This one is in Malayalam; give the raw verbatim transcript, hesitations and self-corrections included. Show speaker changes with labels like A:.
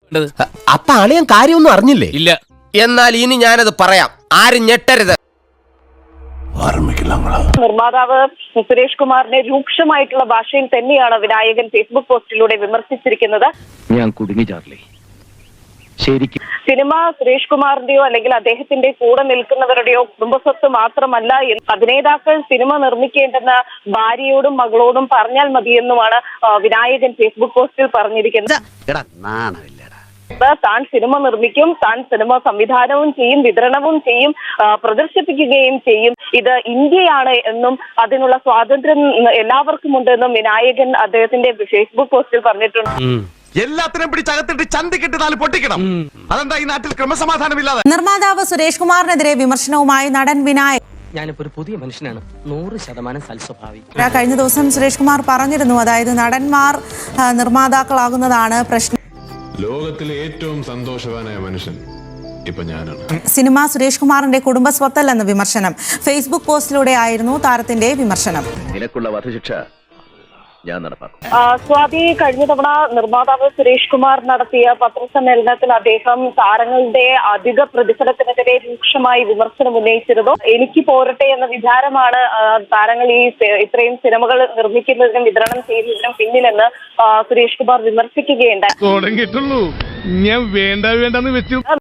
A: അപ്പൊ അളിയൻ കാര്യമൊന്നും അറിഞ്ഞില്ലേ?
B: ഇല്ല.
A: എന്നാൽ ഇനി ഞാനത് പറയാം, ആരും ഞെട്ടരുത്.
C: നിർമ്മാതാവ് സുരേഷ് കുമാറിനെ രൂക്ഷമായിട്ടുള്ള ഭാഷയിൽ തന്നെയാണ് വിനായകൻ ഫേസ്ബുക്ക് പോസ്റ്റിലൂടെ വിമർശിച്ചിരിക്കുന്നത്.
D: ഞാൻ കുടുങ്ങി ചാർലി, ശരിക്കും
C: സിനിമ സുരേഷ് കുമാറിന്റെയോ അല്ലെങ്കിൽ അദ്ദേഹത്തിന്റെ കൂടെ നിൽക്കുന്നവരുടെയോ കുടുംബസ്വത്ത് മാത്രമല്ല, അഭിനേതാക്കൾ സിനിമ നിർമ്മിക്കേണ്ടെന്ന ഭാര്യയോടും മകളോടും പറഞ്ഞാൽ മതിയെന്നുമാണ് വിനായകൻ ഫേസ്ബുക്ക് പോസ്റ്റിൽ പറഞ്ഞിരിക്കുന്നത്. താൻ സിനിമ നിർമ്മിക്കും, താൻ സിനിമ സംവിധാനവും ചെയ്യും, വിതരണവും ചെയ്യും, പ്രദർശിപ്പിക്കുകയും ചെയ്യും. ഇത് ഇന്ത്യയാണ് എന്നും അതിനുള്ള സ്വാതന്ത്ര്യം എല്ലാവർക്കും ഉണ്ടെന്നും വിനായകൻ അദ്ദേഹത്തിന്റെ ഫേസ്ബുക്ക് പോസ്റ്റിൽ പറഞ്ഞിട്ടുണ്ട്.
E: എല്ലാത്തിനും പിടിച്ചകത്തിട്ട് ചന്തിക്കിട്ട് നാല് പൊട്ടിക്കണം. അതെന്താ ഈ നാട്ടിൽ ക്രമസമാധാനമില്ലാതെ?
F: നിർമ്മാതാവ് സുരേഷ് കുമാറിനെതിരെ വിമർശനവുമായി നടൻ വിനായകൻ.
B: ഞാനിപ്പോ ഒരു പുതിയ മനുഷ്യനാണ്, നൂറ് ശതമാനം സൽസ്വഭാവി.
F: കഴിഞ്ഞ ദിവസം സുരേഷ് കുമാർ പറഞ്ഞിരുന്നു, അതായത് നടന്മാർ നിർമ്മാതാക്കളാകുന്നതാണ് പ്രശ്നം.
G: ലോകത്തിലെ ഏറ്റവും സന്തോഷവാനായ മനുഷ്യൻ ഇപ്പൊ ഞാനാണ്.
F: സിനിമ സുരേഷ് കുമാറിന്റെ കുടുംബ സ്വത്തല്ലെന്ന വിമർശനം ഫേസ്ബുക്ക് പോസ്റ്റിലൂടെ ആയിരുന്നു താരത്തിന്റെ വിമർശനം.
D: നിനക്കുള്ള വധശിക്ഷ ഞാൻ നടപ്പാക്കും.
C: സ്വാതി, കഴിഞ്ഞ തവണ നിർമ്മാതാവ് സുരേഷ് കുമാർ നടത്തിയ പത്രസമ്മേളനത്തിൽ അദ്ദേഹം താരങ്ങളുടെ അധിക പ്രതിഫലത്തിനെതിരെ രൂക്ഷമായി വിമർശനം ഉന്നയിച്ചിരുന്നു. എനിക്ക് പോരട്ടെ എന്ന വിചാരമാണ് താരങ്ങൾ ഈ ഇത്രയും സിനിമകൾ നിർമ്മിക്കുന്നതിനും വിതരണം ചെയ്യുന്നതിനും പിന്നിലെന്ന് സുരേഷ് കുമാർ വിമർശിക്കുകയുണ്ടായി.
G: തുടങ്ങിയിട്ടുള്ളൂ, ഞാൻ വേണ്ട വേണ്ടെന്ന് വെച്ചു.